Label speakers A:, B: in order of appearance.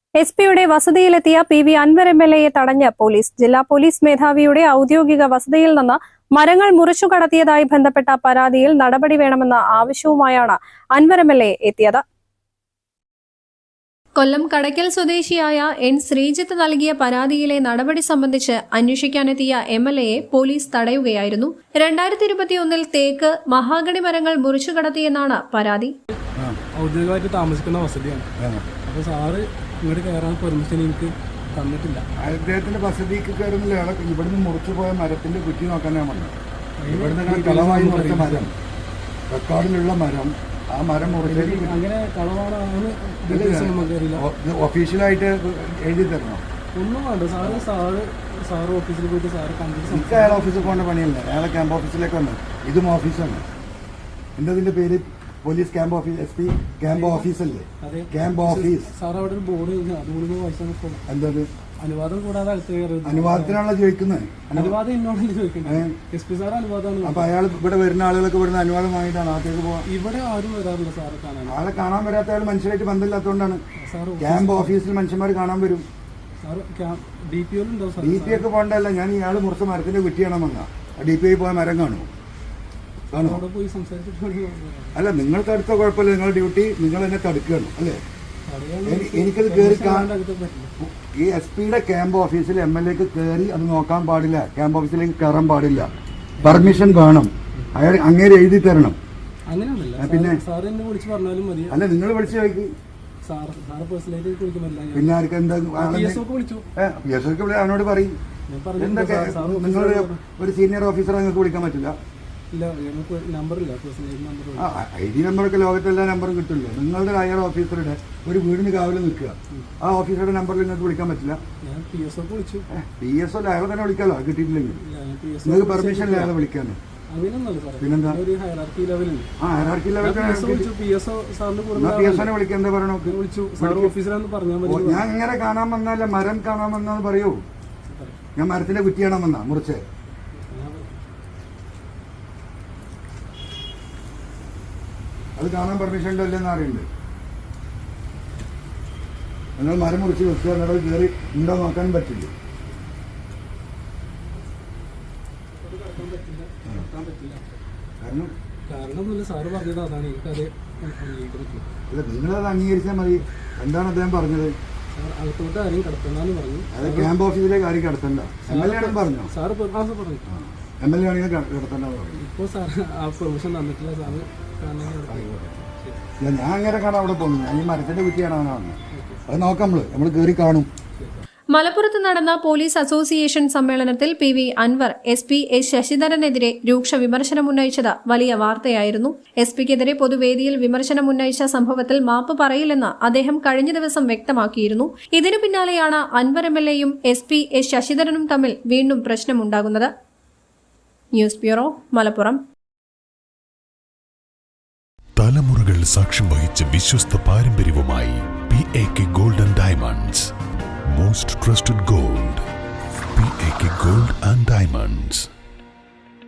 A: എസ്.പിയുടെ വസതിയിലെത്തിയ PV. Anwar എം.എൽ.എയെ തടഞ്ഞ് police. ജില്ലാ police മേധാവിയുടെ ഔദ്യോഗിക വസതിയിൽ നിന്ന് മരങ്ങൾ മുറിച്ചു കടത്തിയതായി ബന്ധപ്പെട്ട പരാതിയിൽ നടപടി വേണമെന്ന ആവശ്യവുമായാണ് അൻവർ എം.എൽ.എ എത്തിയത്. കൊല്ലം കടയ്ക്കൽ സ്വദേശിയായ എൻ ശ്രീജിത്ത് നൽകിയ പരാതിയിലെ നടപടി സംബന്ധിച്ച് അന്വേഷിക്കാനെത്തിയ എം.എൽ.എയെ പോലീസ് തടയുകയായിരുന്നു. 2021 തേക്ക്, മഹാഗണി മരങ്ങൾ മുറിച്ചു കടത്തിയെന്നാണ് പരാതി.
B: ഔദ്യോഗികമായിട്ട് താമസിക്കുന്ന വസതിയാണ്. അപ്പോൾ സാറ് ഇങ്ങോട്ട് കയറാൻ പെർമിഷൻ എനിക്ക് തന്നിട്ടില്ല.
C: അദ്ദേഹത്തിന്റെ വസതിക്ക് കയറുന്നില്ല. ഇവിടുന്ന് മുറിച്ചു പോയ മരത്തിന്റെ കുറ്റി നോക്കാനാണ് വന്നത്. ഇവിടുന്ന് കളവായി മുറിച്ച മരം, റെക്കോർഡിലുള്ള മരം, ആ മരം മുറിച്ചത്
B: അങ്ങനെ കളവാണ്.
C: ഒഫീഷ്യലായിട്ട് എഴുതി തരണം.
B: ഒന്നും വേണ്ട സാറ് ഓഫീസിൽ പോയിട്ട് സാറ് കണ്ടിട്ട്
C: എനിക്ക് അയാൾ ഓഫീസിൽ പോകേണ്ട പണിയല്ല. അയാളെ ക്യാമ്പ് ഓഫീസിലേക്ക് വന്നു. ഇതും ഓഫീസാണ്. എന്തതിന്റെ പേര് police camp office, SP camp ഓഫീസല്ലേ? Camp office.
B: സാർ അവിടെ ഒരു ബോർഡ്
C: എന്തത്
B: അനുവാദം കൂടാതെ
C: അനുവാദത്തിനാണല്ലോ ചോദിക്കുന്നത്.
B: അനുവാദം എന്നോടല്ലേ ചോദിക്കുന്നത്? SP സാർ അനുവാദമാണ്.
C: അപ്പൊ അയാൾ ഇവിടെ വരുന്ന ആളുകളൊക്കെ ഇവിടുന്ന് അനുവാദം വാങ്ങിയിട്ടാണ് അകത്തേക്ക് പോകാൻ.
B: ഇവിടെ ആരും വരാറില്ല സാറ് കാണാൻ.
C: ആളെ കാണാൻ വരാത്ത ആൾ മനുഷ്യരായിട്ട് ബന്ധമില്ലാത്തതുകൊണ്ടാണ്. ക്യാമ്പ് ഓഫീസിൽ മനുഷ്യന്മാർ കാണാൻ വരും.
B: DPO
C: ഒക്കെ പോകണ്ടല്ല. ഞാൻ ഇയാൾ മുറിച്ച മരത്തിന്റെ കുറ്റിയാണെന്ന് വന്നാ DPI പോയ മരം കാണുമോ? കാണുമോ? അല്ല, നിങ്ങൾക്ക് അടുത്ത കുഴപ്പമില്ല. നിങ്ങളുടെ ഡ്യൂട്ടി നിങ്ങൾ എന്നെ തടുക്കുകയാണ് അല്ലേ? എനിക്കത് കയറി ഈ SP-യുടെ ക്യാമ്പ് ഓഫീസിൽ MLA-ക്ക് കയറി അത് നോക്കാൻ പാടില്ല. ക്യാമ്പ് ഓഫീസിലേക്ക് കയറാൻ പാടില്ല. പെർമിഷൻ വേണം. അയാൾ അങ്ങേര് എഴുതി തരണം. പിന്നെ അല്ല, നിങ്ങൾ വിളിച്ചു ചോദിക്ക്. പിന്നെ ആർക്ക് എന്താ അവനോട് പറയും. എന്തൊക്കെ നിങ്ങൾ ഒരു സീനിയർ ഓഫീസറെ നിങ്ങൾക്ക് വിളിക്കാൻ പറ്റില്ല. ID നമ്പറൊക്കെ ലോകത്തെല്ലാ നമ്പറും കിട്ടില്ല. നിങ്ങളുടെ ഹയർ ഓഫീസറുടെ ഒരു വീടിന് കാവൽ നിൽക്കുക. ആ ഓഫീസറുടെ നമ്പറിൽ നിങ്ങൾക്ക് വിളിക്കാൻ പറ്റില്ല. PSO അയാളെ തന്നെ വിളിക്കാമല്ലോ. കിട്ടിയിട്ടില്ലെങ്കിൽ നിങ്ങൾക്ക് പെർമിഷൻ ഇല്ല അയാളെ വിളിക്കാൻ. പിന്നെന്താ ഹയറാർക്കി ലെവൽ PSOനെ വിളിക്കാൻ എന്താ പറയണോ? ഞാൻ ഇങ്ങനെ കാണാൻ വന്നല്ല, മരം കാണാൻ വന്നാന്ന് പറയൂ. ഞാൻ മരത്തിന്റെ കുറ്റിയാണോ വന്നാ മുറിച്ച്? അത് കാണാൻ പെർമിഷൻ ഉണ്ടോ ഇല്ലെന്ന് അറിയണ്ട്. നിങ്ങൾ മരം മുറിച്ച് വെക്കുക, എന്നിട്ട് കയറി ഉണ്ടോ നോക്കാൻ പറ്റില്ല. അല്ല, നിങ്ങളത് അംഗീകരിച്ചാൽ മതി. എന്താണ് അദ്ദേഹം പറഞ്ഞത്? അത് ക്യാമ്പ് ഓഫീസിലേക്ക് ആരും കിടത്തണ്ട. MLA ആണെന്ന് പറഞ്ഞോ? MLA ആണെങ്കിൽ കിടത്തണ്ട പറഞ്ഞു. ഞാൻ അങ്ങനെ കാണാൻ അവിടെ പോകുന്നു. ഞാൻ ഈ മരത്തിന്റെ കുറ്റിയാണ് അവനാണ്. അത് നോക്കാം. നമ്മൾ കയറി കാണും.
A: മലപ്പുറത്ത് നടന്ന പോലീസ് അസോസിയേഷൻ സമ്മേളനത്തിൽ പി.വി. അൻവർ SP എസ് ശശിധരനെതിരെ രൂക്ഷ വിമർശനമുന്നയിച്ചത് വലിയ വാർത്തയായിരുന്നു. SP-ക്കെതിരെ പൊതുവേദിയിൽ വിമർശനമുന്നയിച്ച സംഭവത്തിൽ മാപ്പ് പറയില്ലെന്ന് അദ്ദേഹം കഴിഞ്ഞ ദിവസം വ്യക്തമാക്കിയിരുന്നു. ഇതിനു പിന്നാലെയാണ് അൻവർ MLA-യും SP എസ് ശശിധരനും തമ്മിൽ വീണ്ടും പ്രശ്നമുണ്ടാകുന്നത്. News bureau, Malappuram.
D: തലമുറകൾ സാക്ഷ്യം വഹിച്ച വിശ്വസ്ത പാരമ്പര്യവുമായി PAK Gold and Diamonds. Most trusted gold. PAK Gold and Diamonds.